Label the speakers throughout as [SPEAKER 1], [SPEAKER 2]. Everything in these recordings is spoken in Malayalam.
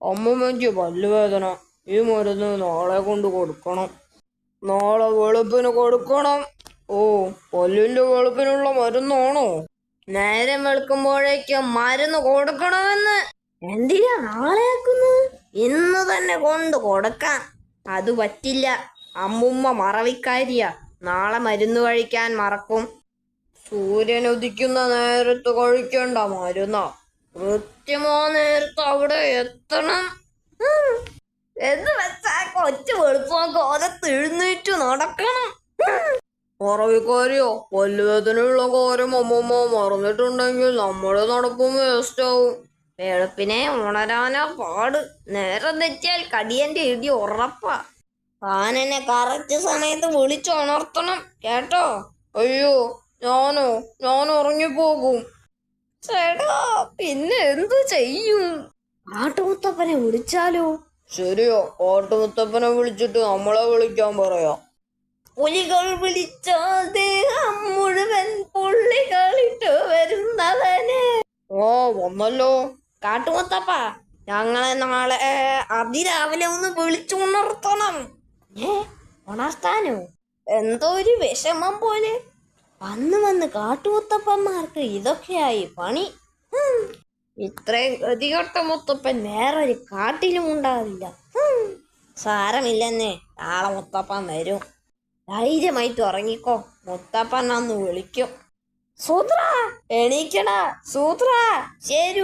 [SPEAKER 1] അമ്മമ്മയ്ക്ക് പല്ലുവേദന. ഈ മരുന്ന് നാളെ കൊണ്ട് കൊടുക്കണം. നാളെ വെളുപ്പിന് കൊടുക്കണം. ഓ, പല്ലിന്റെ വെളുപ്പിനുള്ള മരുന്നാണോ? നേരം വെളുക്കുമ്പോഴേക്കും മരുന്ന് കൊടുക്കണമെന്ന്. എന്തിനാ നാളെ ആക്കുന്നത്? ഇന്ന് തന്നെ കൊണ്ട് കൊടുക്കാം. അത് പറ്റില്ല. അമ്മുമ്മ മറവിക്കാരിയാ. നാളെ മരുന്ന് കഴിക്കാൻ മറക്കും. സൂര്യൻ ഉദിക്കുന്ന നേരത്ത് കഴിക്കേണ്ട മരുന്നാ. കൃത്യമാ നേരത്ത് അവിടെ എത്തണം എന്ന് വെച്ചാ കൊച്ചു വെളുപ്പാക്കാലത്ത് എഴുന്നേറ്റ് നടക്കണം. മറവിക്കാരിയോ? പല്ലുവേദനയുള്ള കാര്യം അമ്മമ്മ മറന്നിട്ടുണ്ടെങ്കിൽ നമ്മുടെ നടപ്പും വേസ്റ്റാവും. വെളുപ്പിനെ ഉണരാനാ പാട്. നേരം തെറ്റിയാൽ കടിയന്റെ ഇടി ഉറപ്പാ. താനെന്നെ കറക്റ്റ് സമയത്ത് വിളിച്ചുണർത്തണം കേട്ടോ. അയ്യോ, ഞാൻ ഉറങ്ങിപ്പോകും. ചേട്ടാ, പിന്നെ എന്തു ചെയ്യും? കാട്ടുമുത്തപ്പനെ വിളിച്ചാലോ? ശരിയോ, കാട്ടുമുത്തപ്പനെ വിളിച്ചിട്ട് നമ്മളെ വിളിക്കാൻ പറയാം. പുലികൾ വിളിച്ചാൽ ദേഹം മുഴുവൻ പുള്ളികളിട്ട് വരുന്നവനെ. ഓ, വന്നല്ലോ. കാട്ടുമുത്തപ്പ, ഞങ്ങളെ നാളെ അതിരാവിലെ ഒന്ന് വിളിച്ചുണർത്തണം. ഉണർത്താനോ? എന്തോ ഒരു വിഷമം പോലെ. വന്ന് കാട്ടുമുത്തപ്പന്മാർക്ക് ഇതൊക്കെയായി പണി. ഇത്രയും ഗതികെട്ട മുത്തപ്പൻ വേറൊരു കാട്ടിലും ഉണ്ടാവില്ല. സാരമില്ലെന്നേ, നാളെ മുത്തപ്പൻ വരും. ധൈര്യമായിട്ട് ഉറങ്ങിക്കോ. മുത്തപ്പൻ അന്ന് വിളിക്കും. സൂത്ര, എണീക്കടാ സൂത്ര. ശരു,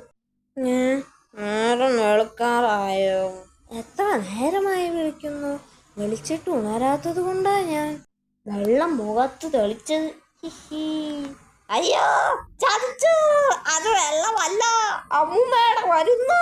[SPEAKER 1] നേരം വെളുക്കാറായോ? എത്ര നേരമായി വിളിക്കുന്നു. വിളിച്ചിട്ട് ഉണരാത്തത് കൊണ്ടാ ഞാൻ വെള്ളം മുഖത്ത് തെളിച്ചത്. അയ്യോ, ചതിച്ചു. അത് വെള്ളമല്ല, അമ്മൂമ്മയുടെ വരുന്നു.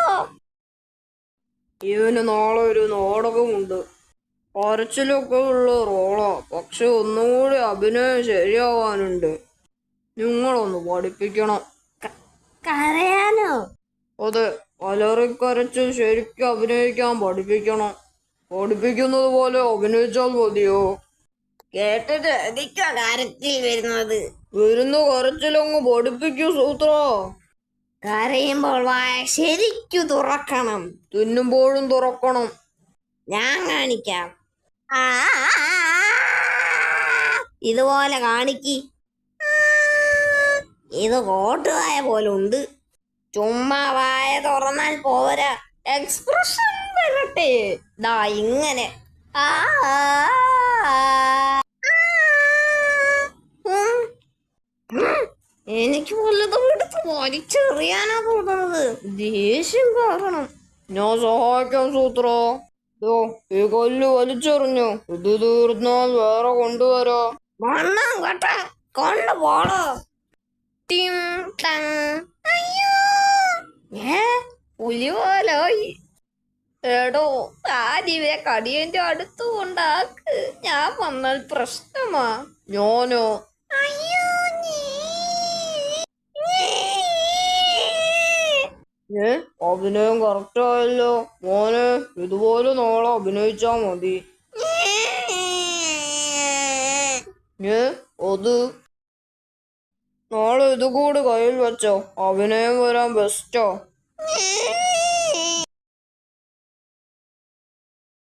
[SPEAKER 1] ഇവന് നാളെ ഒരു നാടകമുണ്ട്. കരച്ചിലൊക്കെ ഉള്ള റോളാ. പക്ഷെ ഒന്നുകൂടി അഭിനയം ശരിയാവാനുണ്ട്. നിങ്ങളൊന്ന് പഠിപ്പിക്കണം. കരയാനോ? അതെ, അലറിക്കരച്ച് ശരിക്കും അഭിനയിക്കാൻ പഠിപ്പിക്കണം. പഠിപ്പിക്കുന്നത് പോലെ അഭിനയിച്ചാൽ മതിയോ? കേട്ടിട്ട് എനിക്കാ കാര്യത്തിൽ വരുന്ന കരച്ചിലങ്ങ് പഠിപ്പിക്കൂ സൂത്ര. കരയുമ്പോൾ വായ ശരിക്കു തുറക്കണം. തിന്നുമ്പോഴും തുറക്കണം. ഞാൻ കാണിക്കാം. ഇതുപോലെ കാണിക്ക്. ഇത് കോട്ടുവായ പോലെ ഉണ്ട്. ചുമ്മാ വായ തുറന്നാൽ പോരാ, എക്സ്പ്രഷൻ വരട്ടെ. ദാ ഇങ്ങനെ. എനിക്ക് വല്ലതും എടുത്ത് വലിച്ചെറിയാനാ തോന്നുന്നത്. ദേഷ്യം കാരണം. ഞാൻ സഹായിക്കാം സൂത്ര. ഈ കൊല്ല് വലിച്ചെറിഞ്ഞു. ഇത് തീർന്നാൽ വേറെ കൊണ്ടുവരാ. മണ്ണാം കേട്ട കൊണ്ടുപോടോ. പുലി പോലോയി. എടോ, താനിവരെ കടിയന്റെ അടുത്ത് കൊണ്ടാക്ക്. ഞാൻ വന്നാൽ പ്രശ്നമാ. ഞാനോ? അഭിനയം കറക്റ്റായല്ലോ മോനെ. ഇതുപോലെ നാളെ അഭിനയിച്ചാ മതി. അത് നാളെ ഇതുകൂടി കയ്യിൽ വെച്ചോ. അഭിനയം വരാൻ ബെസ്റ്റോ.